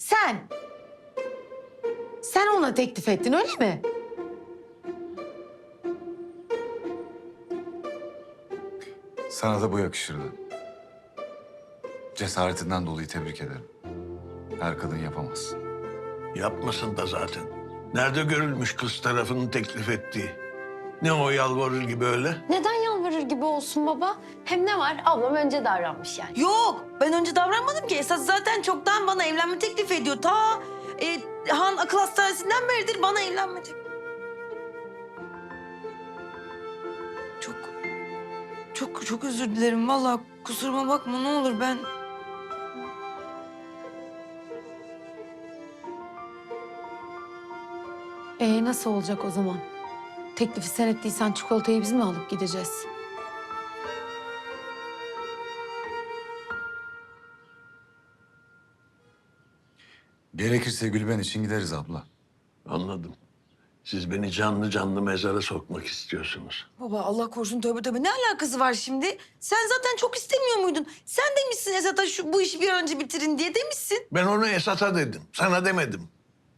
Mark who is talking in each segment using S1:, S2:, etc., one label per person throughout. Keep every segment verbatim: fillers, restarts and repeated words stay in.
S1: Sen. Sen ona teklif ettin öyle mi?
S2: Sana da bu yakışırdı. Cesaretinden dolayı tebrik ederim. Her kadın yapamaz.
S3: Yapmasın da zaten. Nerede görülmüş kız tarafının teklif ettiği? Ne o yalvarır gibi öyle?
S4: Neden yalvarır gibi olsun baba? Hem ne var? Ablam önce davranmış yani.
S5: Yok, ben önce davranmadım ki. Esas zaten çoktan bana evlenme teklif ediyor. Ta e, Han akıl hastanesinden beridir bana evlenme teklif. Çok, çok, çok özür dilerim. Vallahi kusuruma bakma ne olur ben...
S1: Ee nasıl olacak o zaman? Teklifi sen ettiysen çikolatayı biz mi alıp gideceğiz?
S2: Gerekirse Gülben için gideriz abla.
S3: Anladım. Siz beni canlı canlı mezara sokmak istiyorsunuz.
S5: Baba Allah korusun tövbe tövbe. Ne alakası var şimdi? Sen zaten çok istemiyor muydun? Sen demişsin Esat'a şu bu işi bir an önce bitirin diye demişsin.
S3: Ben onu Esat'a dedim. Sana demedim.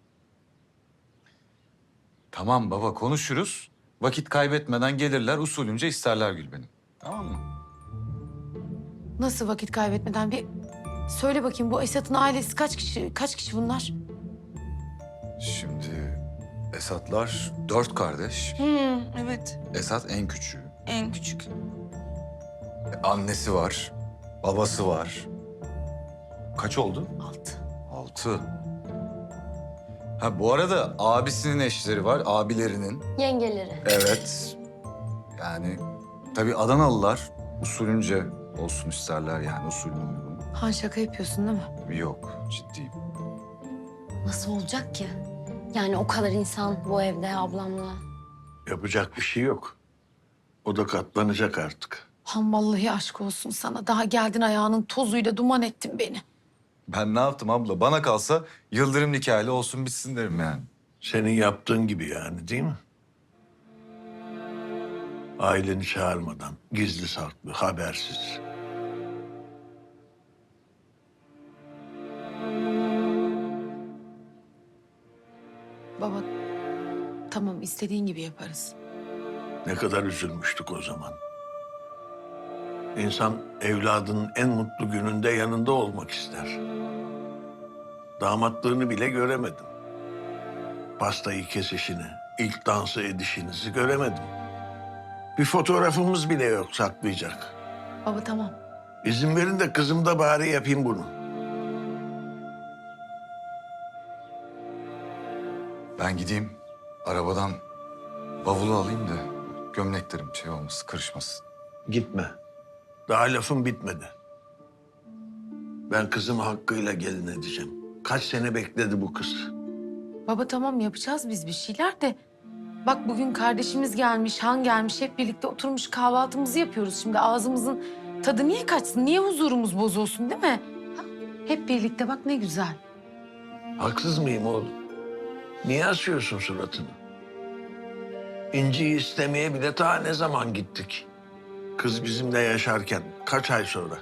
S2: Tamam baba konuşuruz. Vakit kaybetmeden gelirler usulünce isterler Gülben'i. Tamam mı?
S1: Nasıl vakit kaybetmeden bir söyle bakayım bu Esat'ın ailesi kaç kişi kaç kişi bunlar?
S2: Şimdi Esatlar dört kardeş.
S5: Hı, evet.
S2: Esat en küçüğü.
S5: En küçük.
S2: E, Annesi var. Babası var. Kaç oldu?
S1: Altı.
S2: Altı. Ha bu arada abisinin eşleri var, abilerinin.
S4: Yengeleri.
S2: Evet. Yani tabii Adanalılar usulünce olsun isterler yani usulüne uygun.
S1: Han şaka yapıyorsun değil mi?
S2: Yok, ciddiyim.
S4: Nasıl olacak ki? Yani o kadar insan bu evde ablamla.
S3: Yapacak bir şey yok. O da katlanacak artık.
S1: Han vallahi aşk olsun sana. Daha geldin ayağının tozuyla duman ettin beni.
S2: Ben ne yaptım abla? Bana kalsa Yıldırım nikahıyla olsun bitsin derim yani.
S3: Senin yaptığın gibi yani değil mi? Aileni çağırmadan, gizli saklı, habersiz.
S1: Baba tamam istediğin gibi yaparız.
S3: Ne kadar üzülmüştük o zaman. İnsan evladının en mutlu gününde yanında olmak ister. Damatlığını bile göremedim. Pastayı kesişini, ilk dansı edişinizi göremedim. Bir fotoğrafımız bile yok saklayacak.
S1: Baba tamam.
S3: İzin verin de kızım da bari yapayım bunu.
S2: Ben gideyim arabadan bavulu alayım da gömleklerim şey olmasın, kırışmasın.
S3: Gitme. Daha lafım bitmedi. Ben kızımı hakkıyla gelin edeceğim. Kaç sene bekledi bu kız.
S1: Baba tamam yapacağız biz bir şeyler de. Bak bugün kardeşimiz gelmiş, Han gelmiş. Hep birlikte oturmuş kahvaltımızı yapıyoruz. Şimdi ağzımızın tadı niye kaçsın? Niye huzurumuz bozulsun değil mi? Ha? Hep birlikte bak ne güzel.
S3: Haksız mıyım oğlum? Niye asıyorsun suratını? İnci'yi istemeye bile ta ne zaman gittik? Kız bizimle yaşarken kaç ay sonra?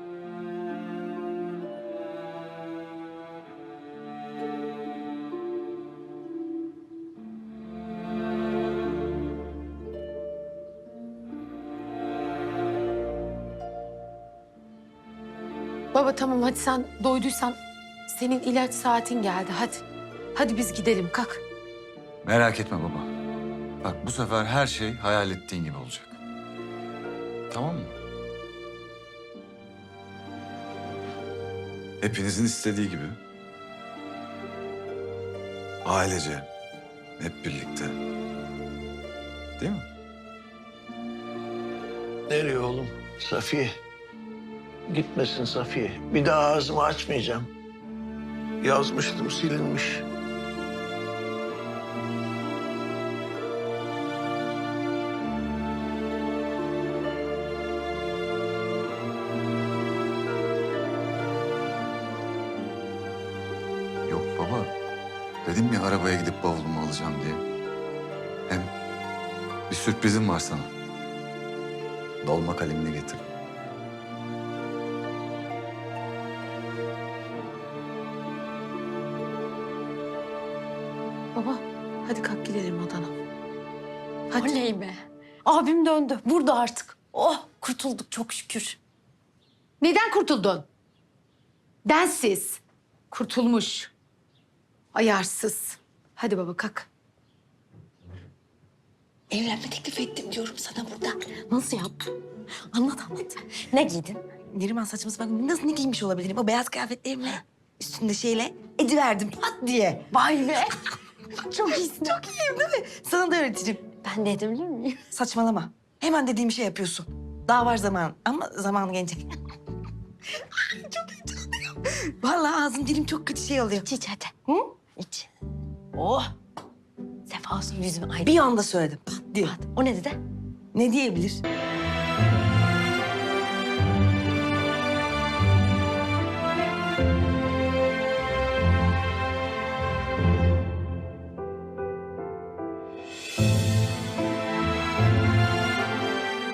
S1: Baba tamam hadi sen doyduysan senin ilaç saatin geldi hadi. Hadi biz gidelim kalk.
S2: Merak etme baba. Bak bu sefer her şey hayal ettiğin gibi olacak. Tamam mı? Hepinizin istediği gibi. Ailece. Hep birlikte. Değil mi?
S3: Nereye oğlum? Safiye. Gitmesin Safiye. Bir daha ağzımı açmayacağım. Yazmıştım, silinmiş.
S2: Yok baba. Dedim ya arabaya gidip bavulumu alacağım diye. Hem bir sürprizim var sana. Dolma kalemini getir.
S5: Baba hadi kalk gidelim odana. Hadi.
S4: Oley be. Abim döndü. Burada artık. Oh kurtulduk çok şükür.
S1: Neden kurtuldun? Densiz. Kurtulmuş. Ayarsız. Hadi baba kalk.
S5: Evlenme teklif ettim diyorum sana burada.
S4: Nasıl yaptın? Anlat anlat. Ne giydin?
S5: Neriman saçma sapan nasıl ne giymiş olabilirim? O beyaz kıyafetlerimle üstünde şeyle ediverdim pat diye.
S4: Vay be. Çok iyisin.
S5: Çok iyiyim değil mi? Sana da öğretirim.
S4: Ben de edebilir miyim?
S5: Saçmalama. Hemen dediğim şey yapıyorsun. Daha var zaman ama zaman gelecek. Ay, çok heyecanlıyım. Vallahi ağzım dilim çok kötü şey oluyor.
S4: İç iç hadi.
S5: Hı?
S4: İç.
S5: Oh
S4: Sefa olsun yüzüme aydın.
S5: bir anda söyledim pat diye.
S4: O ne dedi?
S5: Ne diyebilir?